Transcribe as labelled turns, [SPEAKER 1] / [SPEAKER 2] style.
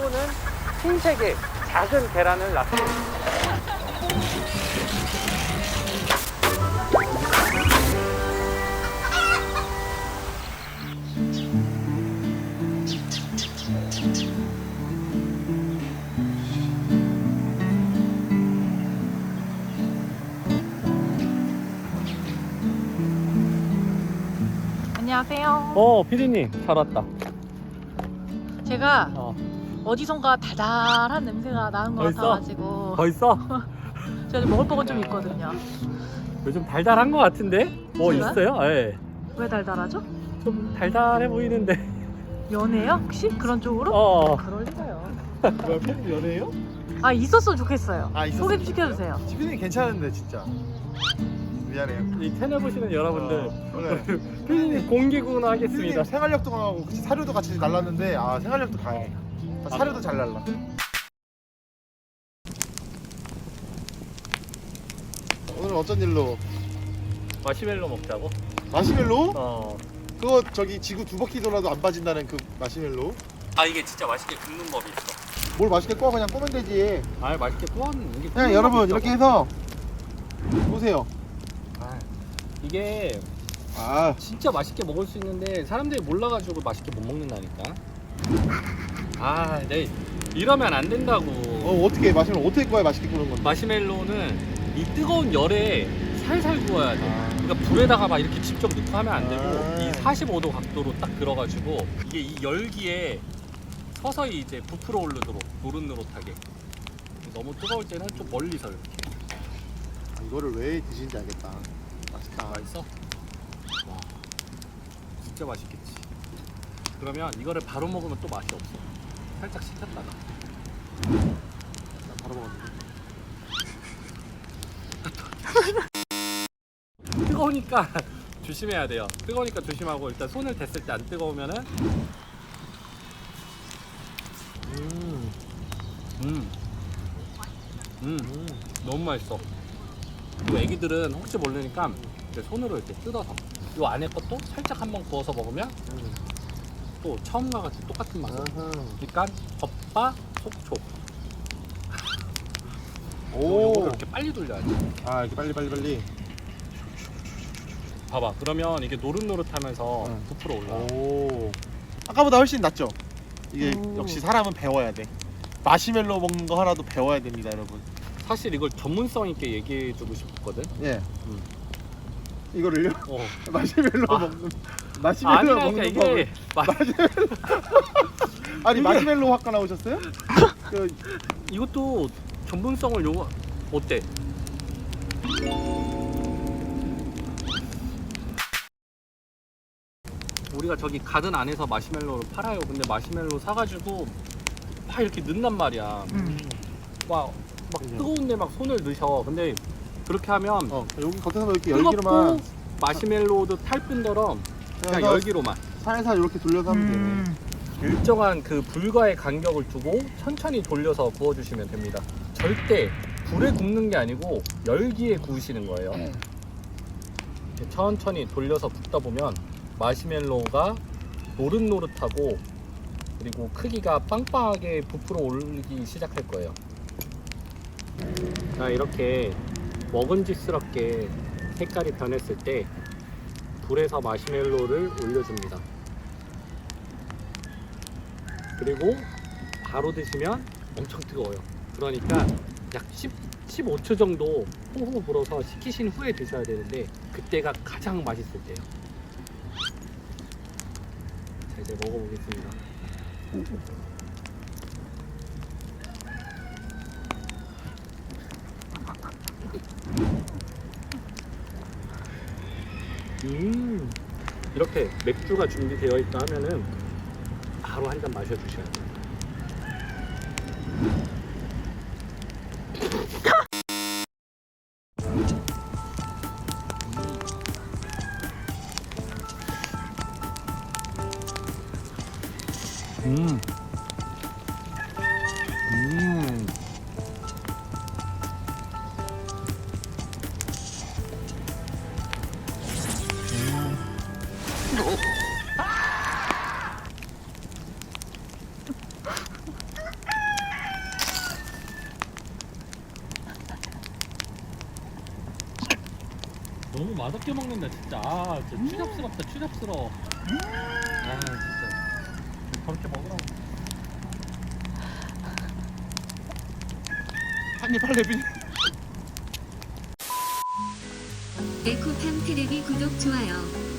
[SPEAKER 1] 또는 흰색의 작은 계란을 낳습니다.
[SPEAKER 2] 안녕하세요.
[SPEAKER 1] 피디님 잘 왔다.
[SPEAKER 2] 제가 어디선가 달달한 냄새가 나는 것
[SPEAKER 1] 벌써?
[SPEAKER 2] 같아가지고
[SPEAKER 1] 벌써?
[SPEAKER 2] 제가 좀 먹을 거가 좀 있거든요.
[SPEAKER 1] 요즘 달달한 것 같은데? 뭐
[SPEAKER 2] 제가요?
[SPEAKER 1] 있어요? 예.
[SPEAKER 2] 왜 달달하죠?
[SPEAKER 1] 좀 달달해 보이는데.
[SPEAKER 2] 연애요? 혹시? 그런 쪽으로?
[SPEAKER 1] 어.
[SPEAKER 2] 그럴 리가요.
[SPEAKER 3] 뭐야, 팬 연애요?
[SPEAKER 2] 아, 있었으면 좋겠어요.
[SPEAKER 3] 아, 있었으면
[SPEAKER 2] 소개 좀 시켜주세요.
[SPEAKER 3] 지빈이 괜찮은데 진짜. 미안해요.
[SPEAKER 1] 이 채널 보시는 여러분들,
[SPEAKER 3] 오늘
[SPEAKER 1] 피디님 공개구나 하겠습니다.
[SPEAKER 3] 피디님 생활력도 강하고 같이 사료도 같이 날랐는데 생활력도 강해. 사료도 잘 날라. 오늘 어쩐 일로?
[SPEAKER 1] 마시멜로 먹자고?
[SPEAKER 3] 마시멜로? 그거 저기 지구 두 바퀴 돌아도 안 빠진다는 그 마시멜로?
[SPEAKER 1] 아, 이게 진짜 맛있게 굽는 법이 있어.
[SPEAKER 3] 뭘 맛있게 구워 그냥 꾸면 되지.
[SPEAKER 1] 아, 맛있게 구워는 게.
[SPEAKER 3] 그냥 여러분 이렇게 해서 보세요.
[SPEAKER 1] 이게
[SPEAKER 3] 아,
[SPEAKER 1] 진짜 맛있게 먹을 수 있는데 사람들이 몰라가지고 맛있게 못 먹는다니까. 아, 네. 이러면 안 된다고.
[SPEAKER 3] 어떻게 마시멜로 어떻게 구워야 맛있게 구는 건데?
[SPEAKER 1] 마시멜로는 이 뜨거운 열에 살살 구워야 돼. 그러니까 불에다가 막 이렇게 직접 넣고 하면 안 되고 이 45도 각도로 딱 들어가지고 이게 이 열기에 서서히 이제 부풀어 오르도록 노릇노릇하게. 너무 뜨거울 때는 좀 멀리서 이렇게.
[SPEAKER 3] 이거를 왜 드시는지 알겠다. 맛있다.
[SPEAKER 1] 맛있어? 와, 진짜 맛있겠지. 그러면 이거를 바로 먹으면 또 맛이 없어. 살짝 식혔다가.
[SPEAKER 3] 나 바로 먹었는데.
[SPEAKER 1] 뜨거우니까 조심해야 돼요. 뜨거우니까 조심하고 일단 손을 댔을 때 안 뜨거우면은 너무 맛있어. 그리고 애기들은 혹시 모르니까 이렇게 손으로 이렇게 뜯어서 이 안에 것도 살짝 한번 구워서 먹으면 또 처음과 같이 똑같은 맛이야. 그러니까 겉바 속촉. 요거를 이렇게 빨리 돌려야지.
[SPEAKER 3] 이렇게 빨리.
[SPEAKER 1] 봐봐. 그러면 이게 노릇노릇하면서 부풀어 올라.
[SPEAKER 3] 아까보다 훨씬 낫죠? 이게
[SPEAKER 2] 오.
[SPEAKER 3] 역시 사람은 배워야 돼. 마시멜로 먹는 거 하나도 배워야 됩니다, 여러분.
[SPEAKER 1] 사실 이걸 전문성 있게 얘기해주고 싶거든.
[SPEAKER 3] 예.
[SPEAKER 1] 음.
[SPEAKER 3] 이거를요?
[SPEAKER 1] 어.
[SPEAKER 3] 마시멜로
[SPEAKER 1] 아.
[SPEAKER 3] 먹는 마시멜로
[SPEAKER 1] 아니라니까
[SPEAKER 3] 먹는
[SPEAKER 1] 이게
[SPEAKER 3] 아니 마시멜로 학과 나오셨어요?
[SPEAKER 1] 이것도 전문성을 요구. 어때? 우리가 저기 가든 안에서 마시멜로를 팔아요. 근데 마시멜로 사가지고 막 이렇게 넣는단 말이야. 막 뜨거운데 막 손을 넣으셔. 근데 그렇게 하면
[SPEAKER 3] 여기 겉에서 이렇게
[SPEAKER 1] 뜨겁고
[SPEAKER 3] 열기로만
[SPEAKER 1] 마시멜로도 탈 뿐더러 그냥 열기로만
[SPEAKER 3] 살살 이렇게 돌려서 하면 되네.
[SPEAKER 1] 일정한 그 불과의 간격을 두고 천천히 돌려서 구워주시면 됩니다. 절대 불에 굽는 게 아니고 열기에 구우시는 거예요. 이렇게 천천히 돌려서 굽다 보면 마시멜로가 노릇노릇하고 그리고 크기가 빵빵하게 부풀어 오르기 시작할 거예요. 자, 이렇게 먹음직스럽게 색깔이 변했을 때 불에서 마시멜로를 올려줍니다. 그리고 바로 드시면 엄청 뜨거워요. 그러니까 약 15초 정도 호호 불어서 식히신 후에 드셔야 되는데 그때가 가장 맛있을 때예요. 자, 이제 먹어보겠습니다. 이렇게 맥주가 준비되어 있다 하면은 바로 한 잔 마셔주셔야 돼요. 너무 맛없게 먹는다 진짜. 아 진짜 추잡스럽다 추잡스러워. 아 진짜 저렇게 먹으라고.
[SPEAKER 3] 한입 할래 비.
[SPEAKER 4] 에코팜 테레비 구독 좋아요